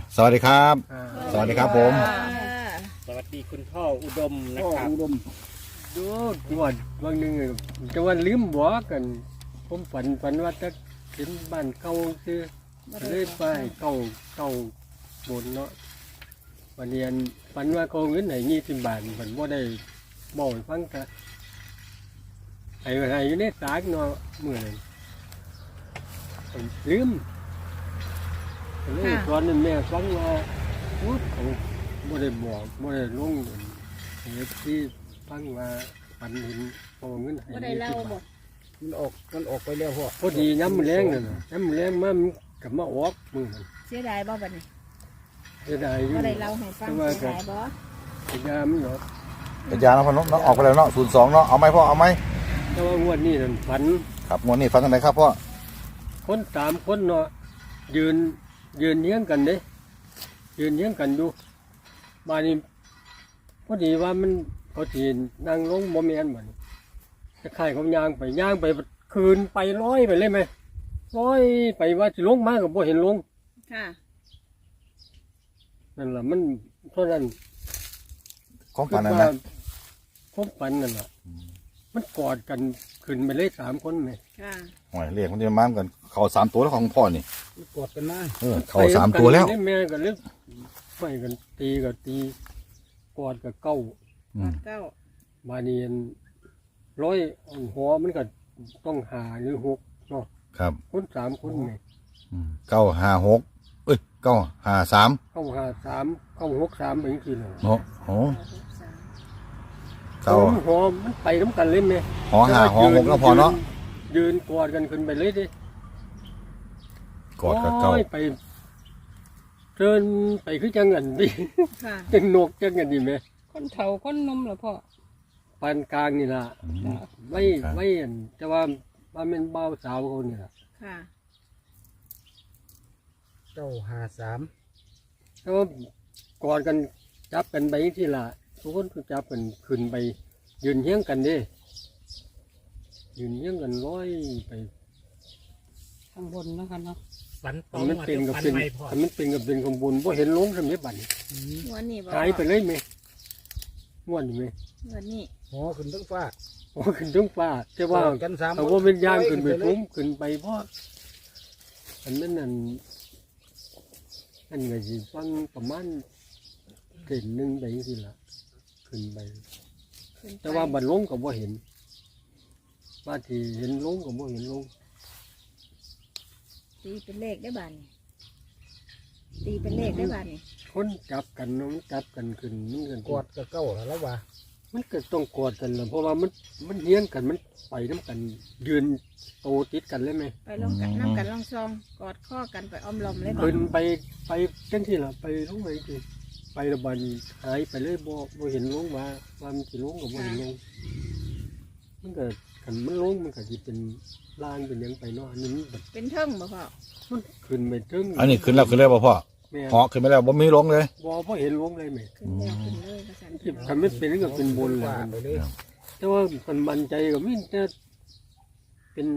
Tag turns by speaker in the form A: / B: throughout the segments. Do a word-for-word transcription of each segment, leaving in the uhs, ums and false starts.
A: สวัสดีครับ
B: อ่า
A: สวัสดีครับผม
C: สวัสดีคุณพ่ออุดมนะ
B: พ่อ
C: ครับ
B: อุดมดูงวดบางหนึงจะว่าลืมบ่กัน ผมฝันฝันว่าจะเห็นบ้านเก่าซื้อเลยไปเก่าเก่าบนเนาะวันเรียนฝันว่าเขาเงินไหนยี่สิบบาทฝันว่าได้บอกให้ฟังกะไอ้ไอ้อยู่ในสากเนาะเมื่อนั้นผมลืมเลยตอนนั้นแม่ฟังว่าโอ้เขาบ่ได้บอกบ่ได้ลงเหตุที่ฟังว่าฝันเห็นพอเงินให้
D: บ่ได้เล่าบ่
B: มันออกมันออกไปแล้วพ่อ พ
C: พ
B: อ
C: อ
B: ดี
C: ดี
B: ย้ำ
C: ย้ำ
B: แร
C: แรง ง
B: นั่
C: นั่
B: น
C: น
B: น่ะ
C: น่ะ
B: ย้ำแรงมันกับมาออกมือนั่น
D: เสียดายบ่บัดนี้
B: จะได้อยู่
D: บ่ได้เล่าให้ฟังเสียดายบ่
B: จะยามเนาะ
A: กระจายนะพ่อเนาะเนาะออกไปแล้วเนาะศูนย์สองเนาะเอาไหมพ่อเอาไหม
B: แต่ว่างวดนี้นั่นฝัน
A: ครับงวดนี้ฟังกันไหนครับพ่อ
B: คนสามคนเนาะยืนยืนเลี้ยงกันเด้ยืนเลี้ยงกันอยู่บ้านนี้พอดีว่ามันเขาทีนั่งลงบ่แม่นบัดนี้จะขายเขาย่างไปย่างไปคืนไปร้อยไปเลยไหมร้อยไปว่าสิลงมาก็บ่เห็นลง
D: ค่ะ
B: นั่นล่ะมันเท่านั้น
A: ของฝันนั่นนะ
B: คบฝันนั่นแหละมันกอดกันขึ้นไปเลยสามคนไหม
D: ค่ะ
A: โอ้ยเรียกมันจะมากันเข่าสามตัวแล้วของพ่อนี่
B: กอดกันมา
A: เออเข่าสามตัวแล้ว
B: ไปแม่กันเลยไปกันตีกับตีกอดกับเก้า
A: อืม
D: เก้า
B: บาเนียนร้อยหัวมันก็ต้องหาหรือหกเนาะ
A: ครับ
B: คนสามคนไหม
A: อืมเก้าห้าหกเอ้ยเก้าห้าสาม
B: เข้าหาสามเข้าหกสามเป็นกี่เลย
A: เนาะโอ้
D: เก้าหกสาม
A: เก้า
B: หัวมันไปน้ำกันเลยไหม
A: หอห้าหอหกแล้วพอเนาะ
B: ยืนกอดกันขึ้นไปเลยดิ
A: กอดกับเก้า
B: โยไปเดินไปคือจังเงินดิ
D: ค่ะ
B: จังนกจังเงินดีไหม
E: คนเฒ่าคนหนมเหรอพ่อ
B: ปานกลางนี่ล่ะ
A: อืม
B: ไม่ไม่เห็นแต่ว่าว่าเป็นเบาวสาวเขานี่ล่ะ
D: ค่ะ
C: เก้าห้าสาม
B: แต่ว่ากอดกันจับกันไปที่ล่ะทุกคนก็จับกันขึ้นไป ยืนเฮี้ยงกันเดิยืนเฮี้ยงกันร้อยไป
E: ข้างบนเนาะคะเนาะ
C: ฝันตร
B: ถ้าง มัน
C: มา
B: เป็น
C: จะ
B: กับ
C: ฝัน
B: เป็น
C: ไม่พอ
B: ถ้ามันเป็นกับเป็นขบวนเพราะเห็นลงทำนี้บัดนี้
D: งวดนี้บ่
B: หายไปเลยไหมม่วนไหม
D: งวดนี้
F: หอขึ้นทั้งฟ้า
B: โอ้ขึ้นถึงฟ้าแต่ว่า
F: กอดกันสาม
B: เขาว่าเป็นย่างขึ้นไป
F: เลย
B: ฟุ้งขึ้นไปเพราะอันนั้นนั่นอันไงสิฟังประมาณเก่นหนึ่งไปสิละขึ้นไป
D: ขึ้นไป
B: แต่ว่าบัดลงก็บ่เห็นว่าที่เห็นลงก็บ่เห็นลง
D: ตีเป็นเลขได้บาดนี้ตีเป็นเลขได้บาดนี้
B: คนจับกันเนาะมันจับกันขึ้นมันกัน
F: กอดกับเก้าแล้ววะ
B: มันก็ต้องกอดกันแหละเพราะว่ามันมันเลี้ยงกันมันไปน้ำกันยืนโตติดกันเลยไหม
D: ไปลงกันน้ำกันลองซองกอดข้อกันไปอ้อมล้อมเลยบ่
B: ขึ้นไปไปจังที่ละไปลงไปทีไประบาดนี้หายไปเลยบ่บ่เห็นลงมาว่ามันสิลงก็บ่เห็นลงมันก็คันมันลงมันก็สิเป็นลางเป็นหยังไปเนาะอันนี้มันแบบ
D: เป็นเทิงบ่พ่อ
B: มันขึ้นไปถึง
A: อันนี้ขึ้นแล้วขึ้นแล้วป่ะพ่อ
B: แม่
A: หอขึ้นไปแล้วบ่มีลงเลย
B: บ่บ่เห็นลงเลยแม่
D: ขึ้นแล้วขึ้นเลยภาษาอังกฤ
B: ที่
D: ษ
B: ทำไม่เป็นก็เป็นบนแหละ
F: ฟ้าไปเลย
B: แต่ว่ามันมั่นใจก็มีแต่เป็น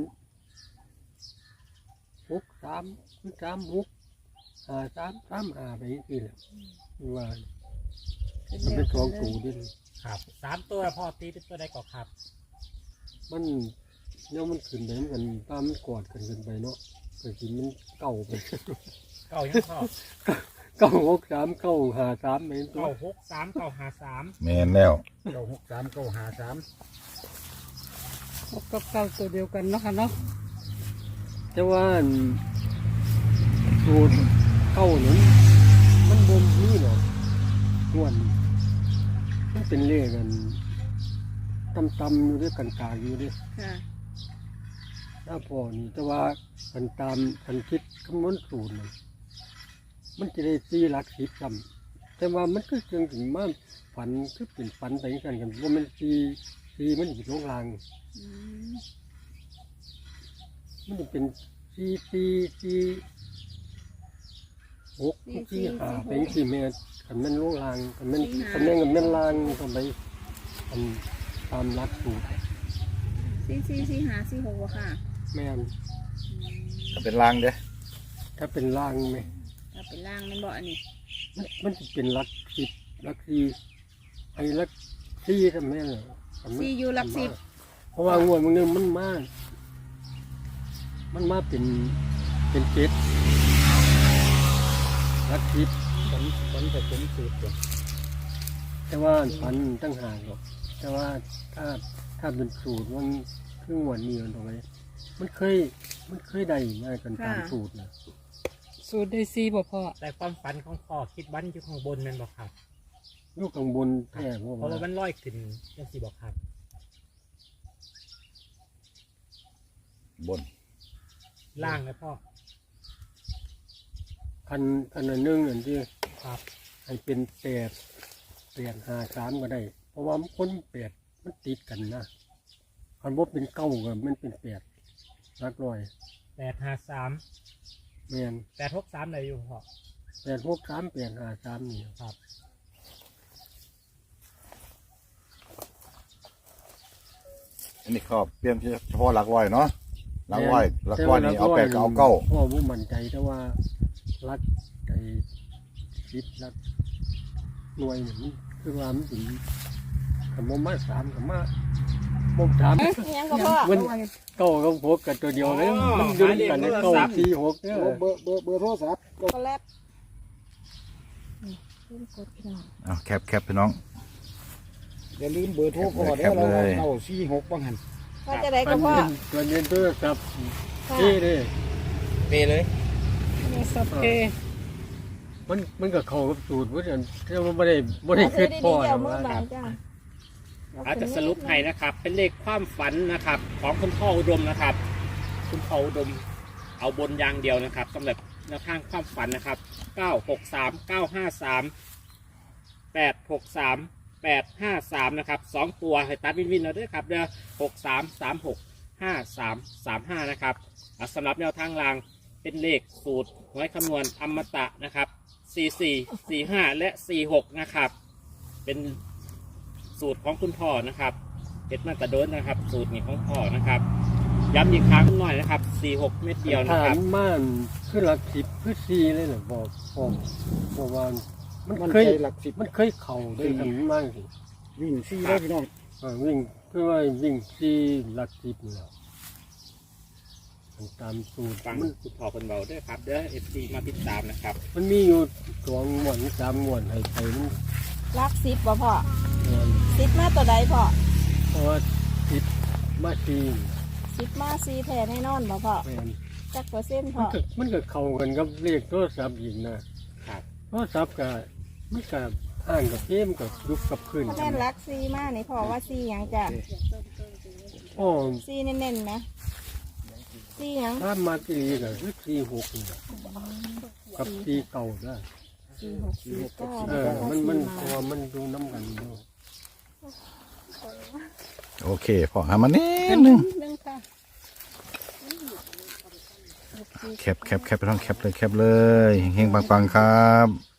B: หกสามสามหกห้าสามสามห้าไปนี่แหละว่า
D: ขึ้น
B: มัน
D: แล้
B: เป็
D: วน
B: สอง
D: ขึ้น
B: ตู
D: เลย
B: ดิ
C: ครับสามตัวพ่อตีเป็นตัวใดก่อนครับ
B: มันเนี่ยมันขึ้นไปเหมือนกันตามมันกอดกันขึ้นไปเนาะแต่ทีมันเก่าไป
C: เก้ายังพ่อ
B: เก้าหกสามเก้าห้าสามไปตัว
C: เก้าหกสามเก้าห้าสาม
A: แม่นแล้ว
F: เก้าหกสามเก้าห้าสาม
E: หกกับเก้าตัวเดียวกันเนาะค่ะเนาะ
B: แต่ว่าสูตรเก้านั้นมันบ่มนี่หรอกง่วนมันเป็นเลขกันตำๆอยู่ด้วยกันกลางอยู่ด้วย
D: ค่ะ
B: ถ้าพอนี่แต่ว่ากันตามกันคิดคำนวณสูตรน่ะมันจะได้สี่หลักสิบจำแต่ว่ามันก็เชิงถึงมาฝันคือเป็นฝันไปกันกันว่ามันสี่สี่มันอยู่ลงราง
D: อืม
B: มันจะเป็นสี่สี่สี่หกสี่ห้าเป็นสี่เมตรกันแม่นลงรางกันแม่นกันแม่นกันแม่นรางทำไปทำตามหลักสูตร
D: สี่สี่สี่ห้าสี่หกบ่ค่ะ
B: แม่น
D: อืม
A: ถ้าเป็นลางเด้อ
B: ถ้าเป็นรางไหม
D: ถ้าเป็นล่างมันบ่อันนี้
B: มันมันจะเป็นลักสิบลักซีไอ้ลักซีทำไมล่ะทำไม
D: ซีอยู่หลักสิบ
B: เพราะว่างวดมันนึงมันมา มันมาเป็นเป็นเจ็ดลักสิบ
F: ผลผลผสมสูตรก่อน
B: แต่ว่าฝันตั้งหากหรอกแต่ว่าถ้าถ้าเป็นสูตรมันครึ่งวันนี้มันตรงไหนมันเคยมันเคยได้มากันตามสูตรนะ
E: สูตรได้ซีบ่พ่อ
C: แต่ความฝันของพ่อคิดวันอยู่ข้างบนแมันบอกครับ
B: ลูกข้างบนแท้เพราะ
C: เพราะว่า
B: ว่า
C: มันลอยขึ้นยังสี่บอกครับ
A: บน
C: ล่างเลยพ่อ
B: คันคันอันหนึงอันที่
C: ครับ
B: ให้เป็นแปดแปดห้าสามก็ได้ เพราะว่ามันคนแปดมันติดกันนะคันว่าเป็นเก้าก็มันเป็นแปดรักร้อย
C: แปดห้าสาม
B: แมน
C: แปดหกสามเลยอยู่พ่อ
B: แปดหกสามแปดห้าสามนี่
C: ครับ
A: อันนี้เขาเปลี่ยนเฉพาะหลักร้อยเนาะหลักร้อยหลักร้อยนี่เอาแปดก็เอาเก้า
B: พ่อผู้มั่นใจแต่ว่ารักใจคิดรักหน่วยนี่มันคือว่ามันถึงคำว่ามาสามคำว่าบ่มถาม
D: ยังก็พ่อ
B: มันเก้ากับหกกันตัวเดียวเลยมันอยืนกันในเก้าสี่หกเนี่ย
F: เบอร์เบอร์เบอร์โทรศัพท์
D: ก็แลบนี่เพิ่มกดพี่น้อง
A: เอาแคปแคปพี่น้อง
F: อย่าลืมเบอร์โทรพ่อ
A: แค
F: เด้อ
A: ป
F: เรา
A: เลย
F: เราสี่หกบ้างหัน
D: พ่อจะได้
B: มั
D: ก็
B: น
D: พ่อ
B: เป็นตัวเรียนตัวกับ
D: ค่ะ
B: ที่นี่
C: เปเลย
E: นี่สับเพ
B: มันมันก็เข้ากับสูตรเพราะฉะนั้นแต่ว่าไม่ได้ไม่ได้
D: เอา
B: คิ
D: ซื้อ
B: ด
D: ดี
B: พอ
D: ๆเดี๋ยว
B: นะ
D: มือ
B: ว่า
D: บางจ้า
C: อาจจะสรุปให้นะครับ เป็นเลขความฝันนะครับ ของคุณพ่ออุดมนะครับ คุณพ่ออุดมเอาบนอย่างเดียวนะครับสำหรับแนวทางความฝันนะครับเก้าหกสามเก้าห้าสามแปดหกสามแปดห้าสามนะครับสองตัวให้ตัดวินวินเอาด้วยครับเด้อหกสามสามหกห้าสามสามห้านะครับอ่ะสำหรับแนวทางรางเป็นเลขสูตรหวยคำนวณอมตะนะครับสี่สี่สี่ห้าและสี่หกนะครับ เป็นสูตรของคุณพ่อนะครับเฮ็ดมาแตะโดนนะครับ สูตรนี้ของพ่อนะครับย้ำอีกครั้งหน่อยนะครับสี่หกเม็ดเดียวนะ
B: ฐา
C: ครับ
B: นม่านคือหลักสิบคือสี่เลยเหรอบอกบอกบอกว่ามัน
F: มัน
B: เคย
F: ใจหลักสิบ
B: มันเคยเข่าได้ทำมากสิ
F: วิ่งสี่ได้พี่น้อง
B: เออวิ่งคือว่าวิ่งสี่หลักสิบนี่แหละมันตามสูตร
C: ฟัง
B: มัน
C: คุณพ่อคนเบาด้วยครับเด้อเอฟซีมาติดตามนะครับ
B: มันมีอยู่สองหมวนสามหมวนให้ไปมัน
D: รักสิบบ่พ่อ
B: เงิน
D: สิบมาตัวใดพ่อ
B: เพราะว่าสิบมาสี่
D: สิบมาซีแท้แน่นอนบ่พ่อ
B: แม่น
D: จักเปอร์เซ็นต์
B: มั
D: พ่
B: น
D: อ
B: ก็มันก็เข้ากันกับเลขโทรศัพท์อีกนะครับ โทรศัพท์ก็มันก็อ่านกับเกมกับยุบกับขึ้น
D: ถ้าแม่นรักซีมานี่พ่อว่าซีหยังจ้ะ
B: โอ้
D: ซีเน้นๆนะซีหยัง
B: ถ้ามาตีก็คือสี่หกนี่แหละกับสี่เก่าได้
D: ซีหกซีเก้า
B: เออมันมันเพราะว่ามันดูน้ำกันอยู่
A: โอเคพอหามานิดนึง
E: นึงค่ะ
A: แคปแคปแคปพี่น้องแคปเลยแคปเลยเฮงๆปังๆครับ